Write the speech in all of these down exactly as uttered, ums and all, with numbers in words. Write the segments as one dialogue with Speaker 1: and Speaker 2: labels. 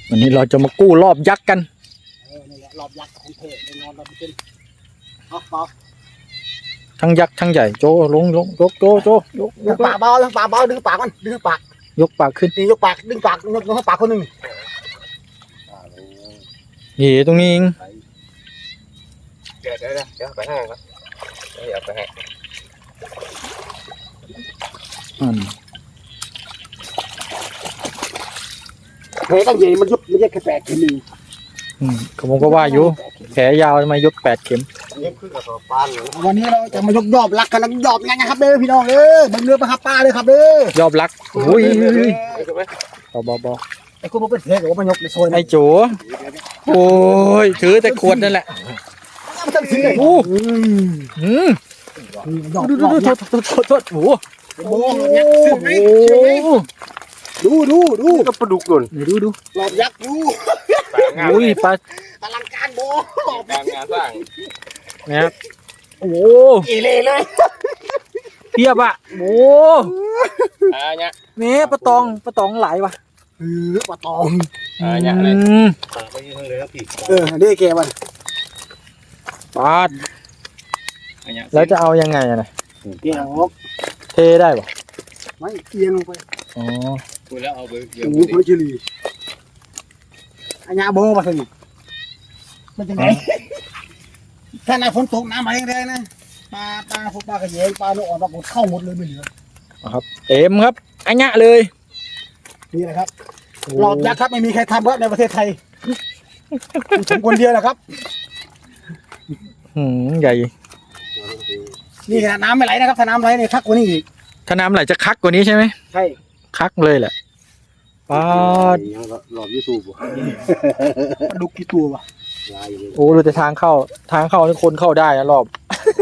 Speaker 1: วันนี้เราจะมากู้รอบยักษ์กัน
Speaker 2: เออนี่แหละรอบยักษ์ของเทพแน่นอนเราไปเป็นเอาเปล่า
Speaker 1: ทั้งยักษ์ทั้งใหญ่โจลงลงยกโจโจยกยก
Speaker 2: ปากเบาปากเบาดึงปากมันดึงปาก
Speaker 1: ยกปากขึ้น
Speaker 2: นี่ยกปากดึงปากยกยกปากคนหนึ่ง
Speaker 1: นี่ตรงนี้เอง
Speaker 3: เดี๋ยวเดี๋ยวเดี๋ยวไปให้ครับเดี๋ยวไปให้
Speaker 1: อืม
Speaker 2: เฮ้ยตั้งใหญ่มันยุบมันแยกแค่แปดแค่หนึ่ง
Speaker 1: อืมผมก็ว่าอยู่แขนยาวทำไมยกแปดเข็ม
Speaker 3: เย็บขึ้นกับตัวปานเลย
Speaker 2: วันนี้เราจะมายกยอบรักกันแล้วยอบยังไงครับเด้อพี่น้องเด้อบังเรือปลาครับป้าเลยครับเด้
Speaker 1: อยอบรักโอ้ยเบาเบาเบา
Speaker 2: ไอ้คุณเป็นเพลงหรือว่ามายกในโซน
Speaker 1: ไอ้โจโอ้ยถือแต่ขวดนั่นแหละโอ้อืมดูดูดูโทษโทษโทษโทษโอ้โห
Speaker 2: ดูดูดู
Speaker 3: ก็ปลาดุกหล่น
Speaker 1: ดูดู
Speaker 2: หลอบยักษ์ดู
Speaker 1: อุ้ยปลา
Speaker 2: อลังการโบ
Speaker 3: การงานสร้าง
Speaker 1: นะครับโอ้
Speaker 2: เอเล่เลย
Speaker 1: เพียบอ่ะโอ้
Speaker 3: อ่าเนี่ย
Speaker 1: เนี้ยปลาตองปลาตองไหลว่ะ
Speaker 2: เออปลาตอง
Speaker 3: อ่าเนี่ยเลยปลาไปยืนเลยครับพี่
Speaker 2: เออนี่แกมัน
Speaker 1: ปลาแล้วจะเอายังไงอะนะ
Speaker 2: เกี่ยว
Speaker 1: เทได้ป่ะ
Speaker 2: ไม่เอียงลงไป
Speaker 1: อ๋อ
Speaker 3: คุยแล้วเอาไป
Speaker 2: เกี่ยวโอ้โหเฉลี่ยอันนี้โบมาสิมันจะไงถ้าในฝนตกน้ำมาแรงๆนะปลาปลาพวกปลากระเยงปลาลูกอ่อนปลาหมดเข้าหมดเลยไม่เหลือ
Speaker 1: ครับเต็มครับอันนี้เลย
Speaker 2: นี่แหละครับหลอดยักษ์ครับไม่มีใครทำครับในประเทศไทยผมคนเดียวแหละครับ
Speaker 1: หืมใหญ่
Speaker 2: นี่ขนาดน้ำไม่ไหลนะครับถ้าน้ำไหลเนี่ยคักกว่านี้อีก
Speaker 1: ถ้าน้ำไหลจะคักกว่านี้ใช่ไหม
Speaker 2: ใช่
Speaker 1: คักเลยแหละปลา
Speaker 3: หลอดยูทูบ
Speaker 2: ปลาดุกกี่ตัววะ
Speaker 1: โอ้ดูแต่ทางเข้าทางเข้านี่คนเข้าได้นะรอบ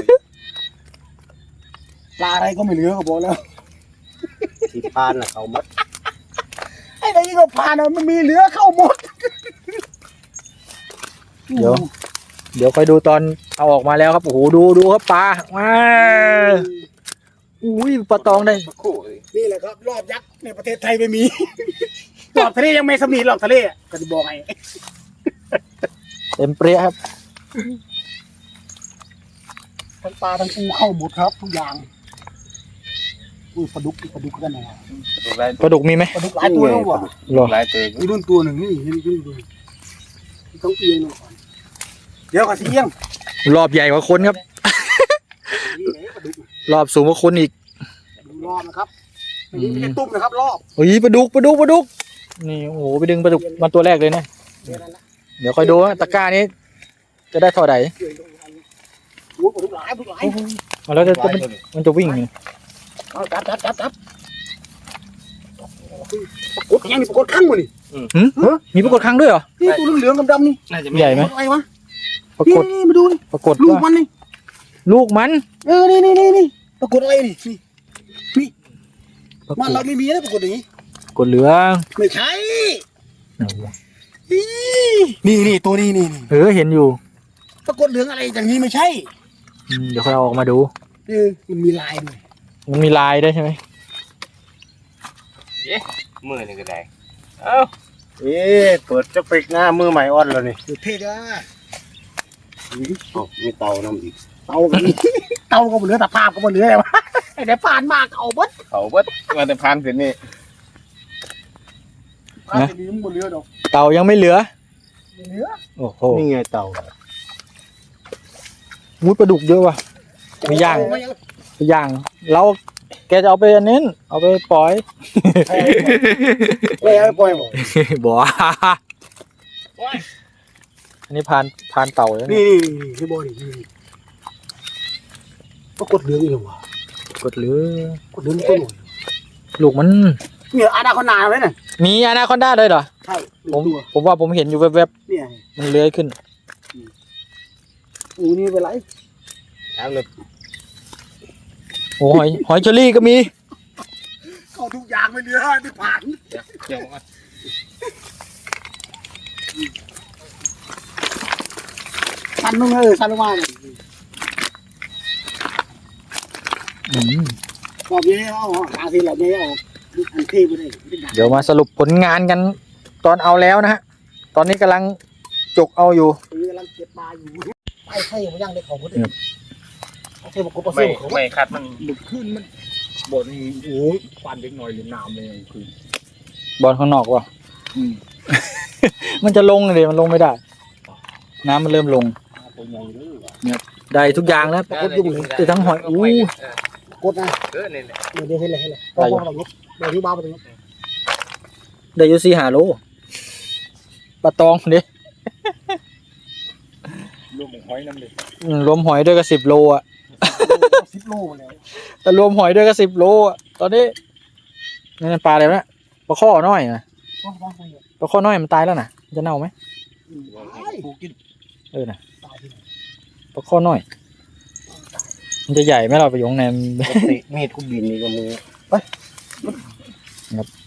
Speaker 2: ปลาอะไรก็ไม่เหลือก็บอกแล้ว
Speaker 3: ที่ปานน่ะเขาหมด
Speaker 2: ไอ้นี่ก็ปลานะมันมีเหลือเข้าหมด
Speaker 1: เดี๋ยวเดี๋ยวคอยดูตอนเอาออกมาแล้วครับโอ้โหดูดูครับปลาว้าอุ้ยปลาตองได้
Speaker 2: นี่แหละครับรอบยักษ์ในประเทศไทยไม่มีรอบทะเลยังไม่สมีรอบทะเลก็จะบอกไง
Speaker 1: เต็มเปรี้ยครับ
Speaker 2: ทั้งปลาทั้งปูเข้าหมดครับทุกอย่างอุ้ยปลาดุกปลาดุกกันนะ
Speaker 1: ปลาดุกมีไหม
Speaker 2: ปลาดุกหลายตัวแล้วว่ะ
Speaker 3: หลายตัว
Speaker 2: มีรุ่นตัวหนึ่งนี่เห็นรุ่นตัวต้องเอียงหน่อยเดี๋ยวก็เสียง
Speaker 1: รอบใหญ่กว่าคนครับรอบสูงกว่าคนอีก
Speaker 2: รอบนะครับไม่ใช่ตุ้มนะครับรอบ
Speaker 1: เฮ้ยปลาดุกปลาดุกปลาดุกนี่โอ้โหไปดึงปลาดุกมาตัวแรกเลยนะเดี๋ยวคอยดูตะกร้านี้จะได้เท่าไหร่มาแล้วจะมันจะวิ่ง
Speaker 2: จับจับจับจับปรากฏยังมีปรากฏข้างมั้นี่
Speaker 1: มีปรากฏข้างด้วยเหรอ
Speaker 2: นี่ตัวเหลืองๆดำๆนี่
Speaker 1: ใหญ่ไหม
Speaker 2: อะไรวะปรากฏนี่มาดูนี่
Speaker 1: ปรากฏ
Speaker 2: ลูกมันนี่
Speaker 1: ลูกมัน
Speaker 2: เออนี่นี่นี่นี่ปรากฏอะไรนี่นี่มันเราไม่มีนะปรากฏอย่างนี้
Speaker 1: ปรากฏเหลือง
Speaker 2: ไม่ใช่นี่นี่ตัวนี้นี่
Speaker 1: เออเห็นอยู่
Speaker 2: ปรากฏเหลืองอะไรอย่างนี้ไม่ใช่
Speaker 1: เดี๋ยวค่อยเอาออกมาดู
Speaker 2: เออมันมีลายด้วย
Speaker 1: มันมีลายได้ใช่ไหม
Speaker 3: เอ๊ะมือนี่ก็ได้เอ้าเอ๊ะเปิดจะปิกหน้ามือใหม่อ่อนแล้วนี่
Speaker 2: สุดเท่จ้า
Speaker 3: มีเตาน้ำอีก
Speaker 2: เตากันเตาก็เหลือแต่ภาพก็เหลืออะไรวะไอ้เดี๋ยวผ่านมากเอาบัด
Speaker 3: เขาบัดมาแต่ผ่านเสร็จนี่
Speaker 2: นะ
Speaker 1: เตายังไม่เหลือ
Speaker 2: เหลือ
Speaker 1: โอ้โห
Speaker 3: นี่ไงเตา
Speaker 1: มุดปลาดุกเยอะว่ะไปย่างไปย่างเราแกจะเอาไปอันนี้เอาไปปล่อย
Speaker 2: ไม่เอาไปปล่อยบ่
Speaker 1: บ่อันนี้พานพานเต่าเลย
Speaker 2: นี่นี่นี่ที่บ่อนี่ก็กดเหลืองอีกว่ะ
Speaker 1: กดเหลือง
Speaker 2: กดเหลืองตัวหน่อย
Speaker 1: ลูกมัน
Speaker 2: เนี่ยอาณาคอนดาไหมเนี่ย
Speaker 1: มีอาณาคอนดาเลยเหรอ
Speaker 2: ใช่
Speaker 1: ผมผมว่าผมเห็นอยู่แวบ
Speaker 2: ๆเนี่ย
Speaker 1: มันเลื้อยขึ้น
Speaker 2: อูนี่เป็นไร
Speaker 3: ถามเลย
Speaker 1: โอ้ยหอยเชอรี่ก็มี
Speaker 2: เข้าทุกอย่างไม่เหลือที่ผ่าน
Speaker 3: เดี๋ยวมา
Speaker 2: ชันลงเออชันลงมาเลยบอกเยอะเอาหาทีละเยอะเอาอันเทไปเลย
Speaker 1: เดี๋ยวมาสรุปผลงานกันตอนเอาแล้วนะฮะตอนนี้กำลังจกเอาอยู่
Speaker 2: ตีกำลังเก็บปลาอยู่ไปไข่มันยังได้ของคนอื่
Speaker 1: ครั
Speaker 2: น
Speaker 1: บ
Speaker 2: เอาเท่ากับกบ
Speaker 3: ไม่
Speaker 2: เสียวเขา
Speaker 3: ไม่คัดมัน
Speaker 4: หลุดขึ้นมันบอลนี่โอ้ยฟันเล็กน้อยหรือน้ำเลยคือบ
Speaker 1: อลข้างนอกว่ะ มันจะลงเลยมันลงไม่ได้ น้ำมันเริ่มลง
Speaker 4: ตัวใหญ่เลย
Speaker 1: ได้ทุกอย่างแล้วปรากฏยุ่งแต่ทั้งหอยอู้
Speaker 2: กดนะ
Speaker 3: เออเนี่ย
Speaker 2: เดี๋ยวเดี๋ยวให้เลยให้เลยต้องบอกเราลบเดี๋ยวที่บ้าไปตรงนี้
Speaker 1: ได้อยูซีหาโลปลาตองเด้
Speaker 4: รวมของหอยน้ำเลย
Speaker 1: อืมรวมหอยด้วยก็สิบโลอ่ะ
Speaker 2: สิบโลมาแล้ว
Speaker 1: แต่รวมหอยด้วยก็สิบโลอ่ะตอนนี้นี่นปลาอะไรวะเนี่ยปลาข้อน้อยนะ
Speaker 2: ต้องต้องไปเลย
Speaker 1: ปลาข้อน้อยมันตายแล้วนะมันจะเน่าไหม
Speaker 2: ตาย
Speaker 4: กูกิน
Speaker 1: เออนะ
Speaker 2: ตายที่ไหน
Speaker 1: ปลาข้อน้อย มันจะใหญ่ไหมเราไปอยข้างในมัน
Speaker 3: ติมีดกูบินนี่ก็มือ